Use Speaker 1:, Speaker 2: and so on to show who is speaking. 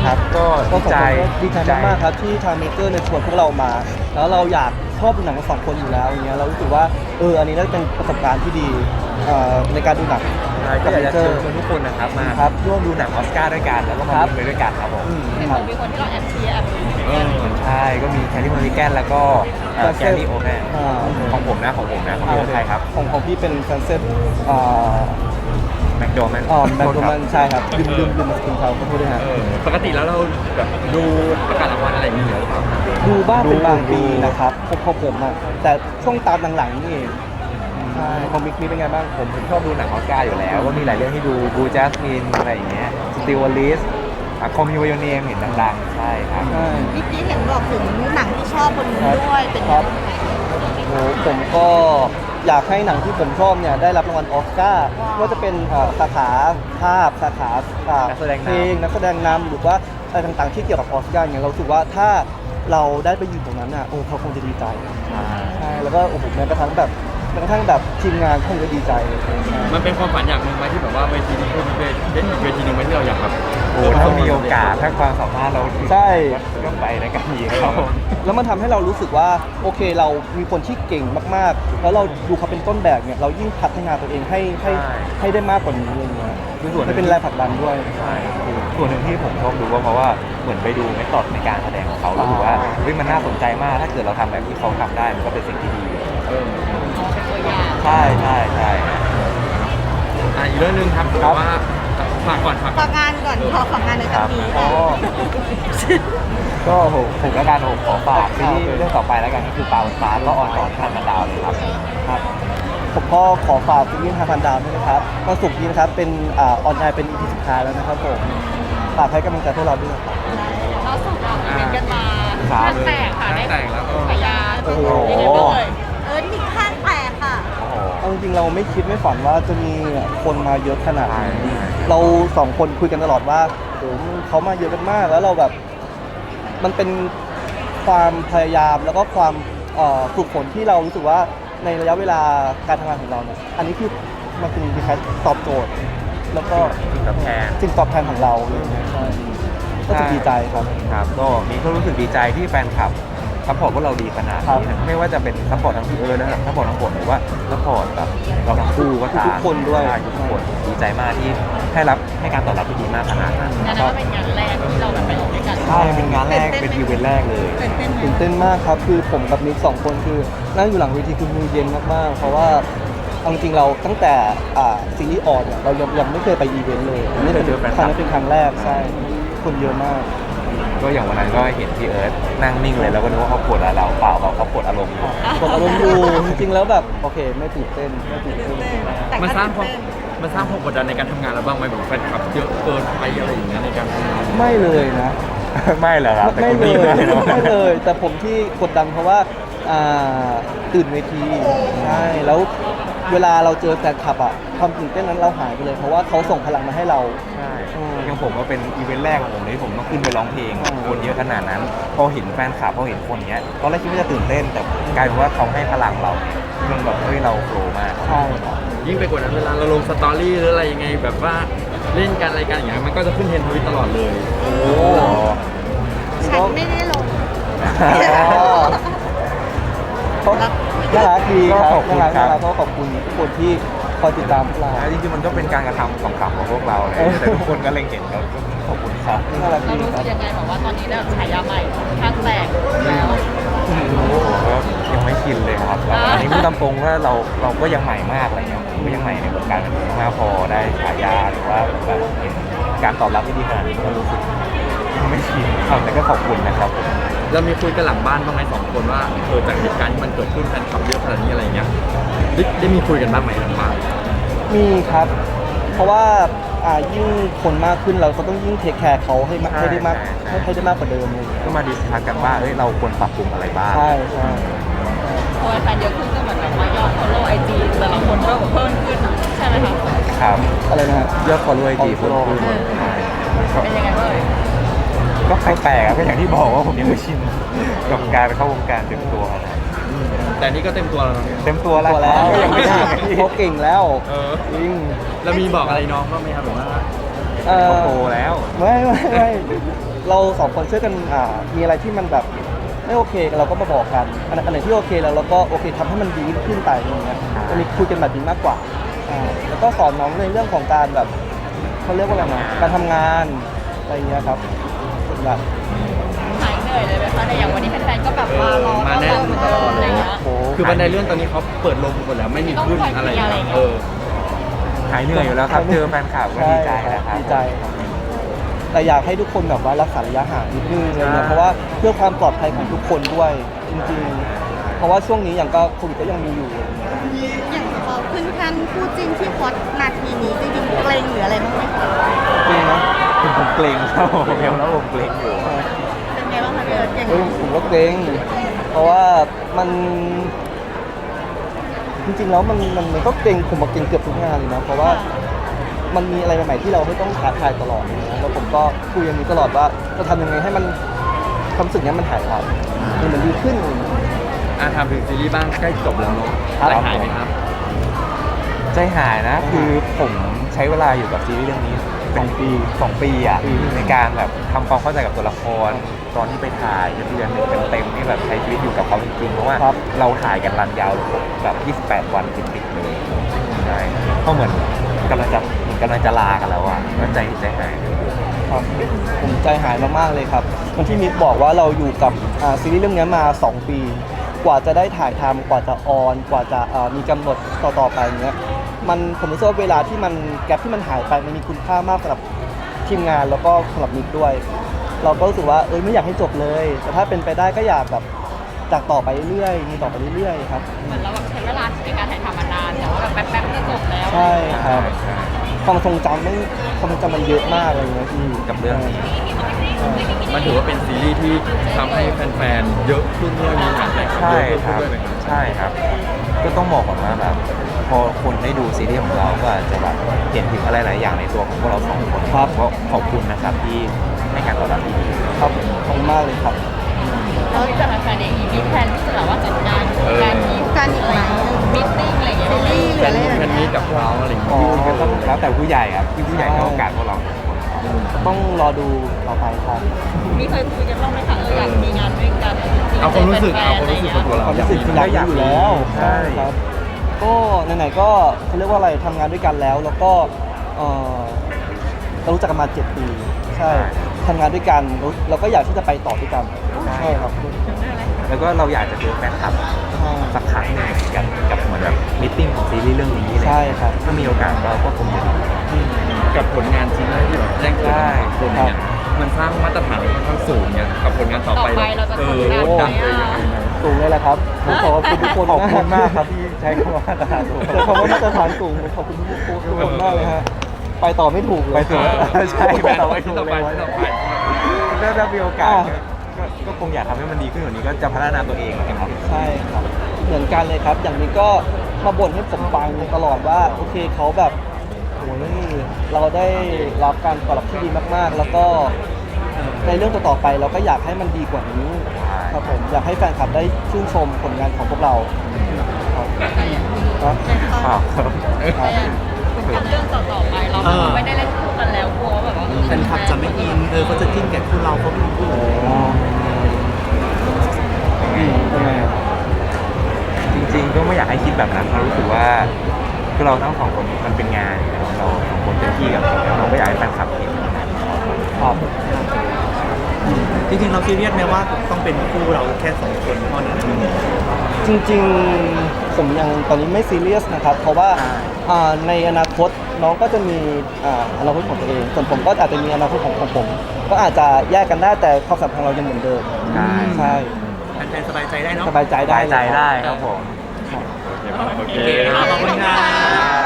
Speaker 1: ครับก็ดีใจ
Speaker 2: ดีใจมากๆครับที่ทางเมเจอร์เนี่ยชวนพวกเรามาแล้วเราอยากชอบดูหนังกัน2 คนอยู่แล้วอย่างเงี้ยเรารู้สึกว่าอันนี้น่าจะเป็นประสบการณ์ที่ดีในการดูหนัง
Speaker 1: ก็อยากจะเชิญชวนทุกคนนะครับมา
Speaker 2: ครับ
Speaker 1: ร่วมดูหนังออสการ์ด้วยกันแล้วก็มา
Speaker 2: ครับ
Speaker 1: ลุ้นไปด้วยกันครับผม
Speaker 3: เห็น
Speaker 2: ครับ
Speaker 3: มีคนที่เราแอบเชียร์แอบลุ้น
Speaker 1: ใช่ก็มีแคลรี่มอริแกนแล้วก็แกลลี่โอแมนของผมนะของพี่เป็นใครครับ
Speaker 2: ของพี่เป็นซันเซ็ต
Speaker 1: แมคโดแมน
Speaker 2: แบงค์โรมันใช่ครับลืมมาสกุลเขาขอโทษด้วยฮะ
Speaker 4: ปกติแล้วเราแบบดูประกาศรางวัลอะไรอย่างเงี้ยหรือเปล่า
Speaker 2: ดูบ้างเป็นบางปี
Speaker 1: ดู
Speaker 2: นะครับพอผมอะแต่ช่วงตามหลังๆนี่เองใช่ของมิกนี่เป็นไงบ้าง
Speaker 1: ผมชอบดูหนังออสการ์อยู่แล้วก็มีหลายเรื่องที่ดูบูจัสมินอะไรอย่างเงี้ยสติวลิสคอมมิวโยเนมเห็นดังๆใช่ครับ
Speaker 2: ใช่
Speaker 3: เมื่อกี้เห็นบอกถึงหนังที่ชอบบนนี้ด้วยเป็น
Speaker 2: ครั
Speaker 3: เรื่
Speaker 2: บ
Speaker 3: องไหน
Speaker 2: โอ้ผมก็อยากให้หนังที่ผมชอบเนี่ยได้รับรางวัลออสการ์ว่าจะเป็นสาขาภาพสาขา
Speaker 1: นักแสดงนำ
Speaker 2: เพลงนักแสดงนำหรือว่าอะไรต่างๆที่เกี่ยวกับออสการ์เนี่ยเรารู้สึกว่าถ้าเราได้ไปยืนตรงนั้นน่ะเขาคงจะดีใจใช่แล้วก็โอ้โหแม้กระทั่งแบบทีมงานคงจะดีใจเลยใช่
Speaker 4: มันเป็นความฝันอย่างหนึ่งไหมที่แบบว่าเวทีนี้คือเป็นเวทีหนึ่งไหมที่เราอยากแบบ
Speaker 1: โอ้ถ้ามีโอกาสถ้าความสามารถเราถึง
Speaker 2: ใช่
Speaker 1: ก็ไปในกันอีกครับผม
Speaker 2: แล้วมันทำให้เรารู้สึกว่าโอเคเรามีคนที่เก่งมากๆ แล้วเราดูเขาเป็นต้นแบบเนี่ยเรายิ่งพัฒนาตัวเองให้ได้มากกว่านี้อะไรเงี้ย
Speaker 1: คือส่วนหนึ่
Speaker 2: ให้
Speaker 1: ง
Speaker 2: เป็นแรงผลักดันด้วย
Speaker 1: ใช่ส่วนหนึ่งที่ผมชอบดูก็เพราะว่าเหมือนไปดูเมธอดในการแสดงของเขาแล้วรู้สึกว่าเฮ้ยมันน่าสนใจมากถ้าเกิดเราทำแบบที่เขาทำได้มันก็เป็นสิ่งที่ดี
Speaker 3: เป็นตัวอย่าง
Speaker 1: ใช่
Speaker 4: อีกเรื่องหนึงครับแบบว่าฝากก่อน
Speaker 3: ฝากงานก่อนขอฝากงานในครั้งนี้
Speaker 2: อ๋อ
Speaker 1: ก็ผมและการขอฝากซีรีส์เรื่องต่อไปแล้วกันก็คือปลาบนฟ้าก็ออนต่อที่ทางมันดาวเลยครับ
Speaker 2: ครับผมก็ขอฝากซีรีส์5,000 ดาวด้วยนะครับวันศุกร์นี้นะครับเป็นออนไลน์เป็น EP สุดท้ายแล้วนะครับผมฝากให้กำลังใจพวกเราด้วยนะครับ
Speaker 3: เราส่งเราเป็นกันมา
Speaker 1: ครับ
Speaker 3: ข้างแตกค่ะได้
Speaker 4: แต่งแล้ว
Speaker 3: พยา
Speaker 2: โอ้โห
Speaker 3: ยังไงบ้างเลยมีข้างแตกค่ะ
Speaker 1: โอ้โห
Speaker 2: เอาจริงๆเราไม่คิดไม่ฝันว่าจะมีคนมาเยอะขนาดนี้
Speaker 1: ใช่
Speaker 2: เรา2 คนคุยกันตลอดว่าโอ้โหเขามาเยอะกันมากแล้วเราแบบมันเป็นความพยายามแล้วก็ความฝึกฝนที่เรารู้สึกว่าในระยะเวลาการทำงานของเราเนี่ยอันนี้คือมันเป็นคล้ายๆตอบโจทย์ แล้วก็
Speaker 1: สิ่งตอบแทน
Speaker 2: สิ่งตอบแทนของเราอะไรอย่างเงี้ยใช่ก็จะดีใจครับ
Speaker 1: ครับก็มีก็รู้สึกดีใจที่แฟนคลับซัพพอร์ตพวกเราดีขนาดนี้นะไม่ว่าจะเป็นซัพพอร์ตทั้งพี่และซัพพอร์ตทั้งบทหรือว่าซัพพอร์ตแบบเราทั้งคู่ก็ตาม
Speaker 2: ทุกคนด้วย
Speaker 1: ใช่ทุกคนดีใจมากที่ให้การตอบรับที่ดีมากขนาดนั้น
Speaker 3: งานนั้นก็เป็นงานแรกที่เราแบบไปออกด้วยกัน
Speaker 1: ใช่เป็นงานแรกเป็นอีเวนต์แรกเลย
Speaker 3: ตื่นเต้นไหม
Speaker 2: ตื่นเต้นมากครับคือผมกับนิก2 คนคือนั่งอยู่หลังเวทีคือมือเย็นมากๆเพราะว่าเอาจริงๆเราตั้งแต่ซีรีส์ออนเนี่ยเรายังไม่เคยไปอีเวนต์เลยนี่เป็นครั้งนี้เป็นครั้งแรกใช่คนเยอะมาก
Speaker 1: ก็อย่างวันนั้นก็เห็นพี่เอิร์ธนั่งนิ่งเลยแล้วก็นึกว่าเขาปวดอะไรเราเปล่าเขาปวดอารมณ์อยู่
Speaker 2: กดอารมณ์อยู่จริงๆแล้วแบบโอเคไม่ตื่นเต้น
Speaker 3: แต่
Speaker 4: มัน
Speaker 3: ก็
Speaker 4: สร้างความ
Speaker 3: ตื่นเต้น
Speaker 4: มันสร้างความกดดันในการทำงานเราบ้างไหมแบบแฟนคลับเยอะเกินไปอะไรอย่างเงี้ยในการทำงาน
Speaker 2: ไม่เลยนะ
Speaker 1: ไม่เหรอครับแต่
Speaker 2: ไม่
Speaker 1: คุณ
Speaker 2: เล
Speaker 1: ดี
Speaker 2: ย
Speaker 1: มากเนอะ
Speaker 2: ไม่เลย แต่ผมที่กดดันเพราะว่าตื่นเวทีใช่แล้วเวลาเราเจอแฟนคลับอะความตื่นเต้นนั้นเราหายไปเลยเพราะว่าเขาส่งพลังมาให้เรา
Speaker 1: ใช่
Speaker 2: อืม
Speaker 1: อย่างผมก็เป็นอีเวนต์แรกของผมที่ผมต้องขึ้นไปร้องเพลง
Speaker 2: อืม
Speaker 1: คนเยอะขนาดนั้น พอเห็นแฟนคลับพอเห็นคนเนี้ยตอนแรกคิดว่าจะตื่นเต้น แต่กลายเป็นว่าเขาให้พลังเรามันแบบเฮ้ยเราโฟลว์มาก
Speaker 2: ใช่ครับ
Speaker 4: ยิ่งไปกว่านั้นเวลาเราลงสตอรี่หรืออะไรยังไงแบบว่าเล่นกันอะไรกันอย่างเงี้ยมันก็จะขึ้นเทรนด์ทวิตตลอดเลย
Speaker 1: โอ้
Speaker 3: ฉันไม่ได้ลง
Speaker 2: เขาน่ารักดีครับ
Speaker 1: ก็ขอบคุณ
Speaker 2: น่ารัก
Speaker 1: ครับ
Speaker 2: น่ารักก็ขอบคุณทุกคนที่คอยติดตามพวกเรา
Speaker 1: จริงๆมันก็เป็นการกระทำขำๆของพวกเราเลยแต่ทุกคนก็เล็งเห็นแล้วก็ขอบคุณครับ
Speaker 2: น่ารัก
Speaker 3: เรา
Speaker 2: ดี
Speaker 3: รู้
Speaker 2: ค
Speaker 3: สึ
Speaker 2: รับ
Speaker 3: กยังไงแบบว่าตอนนี้เนี่ยฉายาใหม่ข้างแตกแล้ว
Speaker 1: ก็ยังไม่ชินเลยครับแล้วอันนี้พูดตามตรงว่าเราก็ยังใหม่มากอะไรเงี้ยผมก็ยังใหม่ในวงการบันเทิงมากพอได้ฉายาหรือว่าแบบเห็นการตอบรับที่ดีขนาดนี้ก็รู้สึกยังไม่ชินครับแต่ก็ขอบคุณนะครับผม
Speaker 4: เรามีคุยกันหลังบ้านบ้างไหม2 คนว่าจากเหตุการณ์ที่มันเกิดขึ้นแฟนคลับเยอะขนาดนี้อะไรเงี้ยได้มีคุยกันบ้างไหมหลังบ้าน
Speaker 2: มีครับ เพราะว่ายิ่งคนมากขึ้นเราก็ต้องยิ่งเทคแคร์เขาให้ได้มาก
Speaker 1: ใช่
Speaker 2: ให้ได้มากกว่าเดิมเลย
Speaker 1: ก็มาดิสคัสกันว่าเอ้ยเราควรปรับปรุงอะไรบ้าง
Speaker 2: ใช่ใช่
Speaker 3: พอแฟนเยอะขึ้นก็เหมือนแบบว่ายอด follow IG แต่ละคนก็เพิ่มขึ้นใช่ไหมคะ
Speaker 1: ครับ
Speaker 2: อะไรนะฮะ
Speaker 1: ยอดฟอลโล่ไอจีเพิ่มขึ้นใช่
Speaker 3: เป็นยังไงบ้างเอ่ย
Speaker 1: ก็แปลกๆครับก็อย่างที่บอกว่าผมยังไม่ชินกับการเข้าวงการเต็มตัวขนาดนั้น
Speaker 4: แต่นี่ก็เต็มตัวแล้วนะ
Speaker 1: เต็มตัวแล้ว
Speaker 2: ตัวแล้ว
Speaker 1: ก็ยังไม่ชิน
Speaker 2: เขาเก่งแล้ว
Speaker 4: เออ
Speaker 2: จริง
Speaker 4: แล้วมีบอกอะไรน้องบ้างไหมครับแบบว่า
Speaker 2: เอ
Speaker 1: เขา
Speaker 2: อ
Speaker 1: โตแล้ว
Speaker 2: ไม่เราสองคนช่วยกันมีอะไรที่มันแบบไม่โอเคเราก็มาบอกกันอันไหนที่โอเคแล้วเราก็โอเคทำให้มันดีขึ้นไปอย่างเงี้ยจะมีคุยกันแบบนี้มากกว่าแล้วก็สอนน้องในเรื่องของการแบบเขาเรียกว่าอะไรนะการทำงานอะไรอย่างเงี้ยครับส่วนใหญ่
Speaker 3: หายเหนื่อยเลยไหมคะในอย่างวันนี้แฟนๆก็แบบมารอ
Speaker 4: มาแน่นตลอด
Speaker 3: อะไรเงี้ย
Speaker 2: โอ้โห
Speaker 4: คือบันไดเลื่อนตอนนี้เขาเปิดลงหมดแล้วไม่มีขึ้นอะไร
Speaker 1: หายเหนื่อยอยู่แล้วครับเจอแฟนคลับก็ดีใจนะครับ
Speaker 2: ดีใจครับแต่อยากให้ทุกคนแบบว่ารักษาระยะห่างนิดนึงอะไรเงี้ยเพราะว่าเพื่อความปลอดภัยของทุกคนด้วยจริงๆ เพราะว่าช่วงนี้อย่างก็โควิดก็ยังมีอยู่
Speaker 5: อย่างพอขึ้นขั้นคู่จิ้นที่ฮอตนาทีนี้จริงๆเกรงหรืออะไรบ้างไหมคะ
Speaker 2: จริงนะ
Speaker 1: ผมเกรงครับผมเกรงแล้วผมเกรงอยู่
Speaker 5: เป็นไงบ้างคะพี่เอิร์ธอย่าง
Speaker 2: ผมก็เกรงเพราะว่ามันจริงๆแล้วมันก็เกรงผมมาเกรงเกือบทุกงานเลยนะเพราะว่ามันมีอะไรใหม่ๆที่เราไม่ต้องท้าทายตลอดนะแล้วผมก็คุยกันนี้ตลอดว่าจะทำยังไงให้มันความรู้สึกนี้มันหายไปมันดีขึ้น
Speaker 4: ทำถึงซีรีส์บ้างใกล้จบแล้วเนาะ
Speaker 2: ครับ
Speaker 4: ใจหายไหมครับ
Speaker 1: ใจหายนะคือผมใช้เวลาอยู่กับซีรีส์เรื่องนี้2 ปีอ่ะในการแบบทำความเข้าใจกับตัวละครตอนที่ไปถ่ายเดือนหนึ่งเต็มๆนี่แบบใช้ชีวิตอยู่กับเขาจริงๆเพราะว่าเราถ่ายกันรันยาวแบบ28 วันติดๆเลยใช่ก็เหมือนกำลังจะลากันแล้วอ่ะก็ใจหาย
Speaker 2: ครับผมใจหายมากๆเลยครับวันที่มิกบอกว่าเราอยู่กับซีรีส์เรื่องนี้มา 2 ปี กว่าจะได้ถ่ายทำกว่าจะออนกว่าจะมีกำหนดต่อไปเนี้ยผมรู้สึกว่าเวลาที่มันแกลบที่มันหายไปมันมีคุณค่ามากสำหรับทีมงานแล้วก็สำหรับมิกด้วย เราก็รู้สึกว่าไม่อยากให้จบเลย แต่ถ้าเป็นไปได้ก็อยากแบบจากต่อไปเรื่อยๆมีต่อไปเรื่อยๆครับ
Speaker 3: เหมือนเราแบบใช้เวลาในการถ่ายทำมานานแต่ว่าแบบแป๊บๆก็จบแล้ว
Speaker 2: ใช่ครับความทรงจำมันเยอะมากเลยนะพี่
Speaker 1: กับเรื่องนี้
Speaker 4: มันถือว่าเป็นซีรีส์ที่ทำให้แฟนๆเยอะขึ้นด้วยมีงานแต่ง
Speaker 1: ใช่
Speaker 4: เยอะ
Speaker 1: ค
Speaker 4: ขึ้น
Speaker 1: รับ
Speaker 4: ด้วยไหมครับ
Speaker 1: ใช่ครับ ก็ต้องบอกก่อนว่าแบบพอคนได้ดูซีรีส์ของเราก็อาจจะแบบเห็นถึงอะไรหลายอย่างในตัวของพวกเราสองคน
Speaker 2: ครับ
Speaker 1: ก็ขอบคุณนะครับที่ให้การตอบรับที่ดี
Speaker 2: ครับขอบคุณมากเลยครับ
Speaker 3: แล้วจากแฟนๆเองมีแพลนที่จะแบบว่าจัดงานการมี
Speaker 5: การอีกไหม
Speaker 3: มิทติ้งอะไรอย่างเงี้ย
Speaker 5: ซีรีส์หรืออะไรอย่าง
Speaker 4: แฟนมี
Speaker 5: เงี้ย
Speaker 4: กับเขาอะไรอย่าง
Speaker 2: อ๋อ
Speaker 4: เงี้ย
Speaker 1: ก็ต้องแล้วแต่ผู้ใหญ่ครับที่ผู้ใหญ่ให้โอกาสพวกเรา
Speaker 2: ต้องรอดูต่อไปครับ
Speaker 3: มีเคยคุยกันบ้างไหมคะอยากมีงานด้วยกันจริงๆ
Speaker 4: เอาความรู้สึก
Speaker 3: แฟนๆ
Speaker 4: เอาความรู้สึกของตัวเรา
Speaker 2: ความรู้สึกคืออยากมีอยู่แล้ว
Speaker 1: ใช่
Speaker 2: ครับ ก็ไหนๆก็เขาเรียกว่าอะไรทำงานด้วยกันแล้วก็เรารู้จักกันมา 7 ปีใช่ทำงานด้วยกันเราก็อยากที่จะไปต่อด้วยกันใช่ครับ
Speaker 1: แล้วก็เราอยากจะเจอแฟนคลับ
Speaker 2: ใช่
Speaker 1: สักครั้งหนึงกับเหมือนแบบมิทติ้งของซีรีส์เรื่องนี้อะไร
Speaker 2: ใช่
Speaker 1: เงี้ย
Speaker 2: ครับ
Speaker 1: ถ้ามีโอกาสก็คงจะดี
Speaker 4: กับผลงานชิ้นแรกที่แบบแจ้งเกิดกับคนเนี่ยมันสร้างมาตรฐานค่อนข้างสูงเนี่ยกับผลงานต่อไป
Speaker 3: เราจะ
Speaker 4: เอ
Speaker 3: ทำ
Speaker 4: อง
Speaker 3: าน
Speaker 4: ดังเลยยังไง
Speaker 2: สูงเลยแหละครับผมขอบคุณทุกคน
Speaker 1: ขอบคุณมากครับที่ใช้คำว่ามาตรฐานสูง
Speaker 2: แต่คำว่ามาตรฐานสูงผมขอบคุณทุกคนมากเลยฮะไปต่อไม่ถูกเลย
Speaker 1: ไปต่อ ใช่ไปต่อไม่ถูก
Speaker 4: ต่อ
Speaker 1: เล
Speaker 4: ไป
Speaker 1: ย
Speaker 4: ต่อไป
Speaker 1: ถ้ามีโอกาสก็คงอยากทำให้มันดีขึ้นกว่านี้ก็จะพัฒนาตัวเองนะครับ
Speaker 2: ใช่ครับเหมือนกันเลยครับ อย่างนี้ก็มาบ่นให้ผมฟังตลอดว่าโอเคเขาแบบโอ้ยเราได้รับการตอบรับที่ดีมากๆ แล้วก็ในเรื่องต่อๆไปเราก็อยากให้มันดีกว่านี้ครับผมอยากให้แฟนคลับได้ชื่นชมผลงานของพวกเราครับครับ
Speaker 1: ครับ
Speaker 2: ครับ
Speaker 3: เรื่องต่อๆไปเราไม่ได้เล่นคู่กันแล้วกลัวว่าแบบว่า
Speaker 6: แฟนคลับจะไม่อินเขาจะจิ้นกับคู่เราเขาไม่คู่
Speaker 2: ทำไมอะ
Speaker 1: จริงๆก็ไม่อยากให้คิดแบบนั้นเพราะรู้สึกว่าคือเราทั้งสองคนมันเป็นงานอยู่แล้วเราสองคนเต็มที่กับมันเราก็อยากให้แฟนคลับเห็น
Speaker 2: ครับ
Speaker 6: จริงๆเราซีเรียสไหมว่าต้องเป็นคู่เราแค่2 คนเท่านั้น
Speaker 2: จริงๆผมยังตอนนี้ไม่ซีเรียสนะครับ เพราะว่าในอนาคตน้องก็จะมีอนาคตของตัวเอง ส่วนผมก็อาจจะมีอนาคตของผม ก็อาจจะแยกกันได้แต่ความสัมพันธ์เรายังเหมือนเดิม
Speaker 1: ใช่
Speaker 2: ใช่
Speaker 6: แฟนๆสบายใจได้เนาะ
Speaker 2: สบายใจได้
Speaker 1: ได้ใจได้ครับผม
Speaker 4: โอเค
Speaker 6: ขอบคุณครับ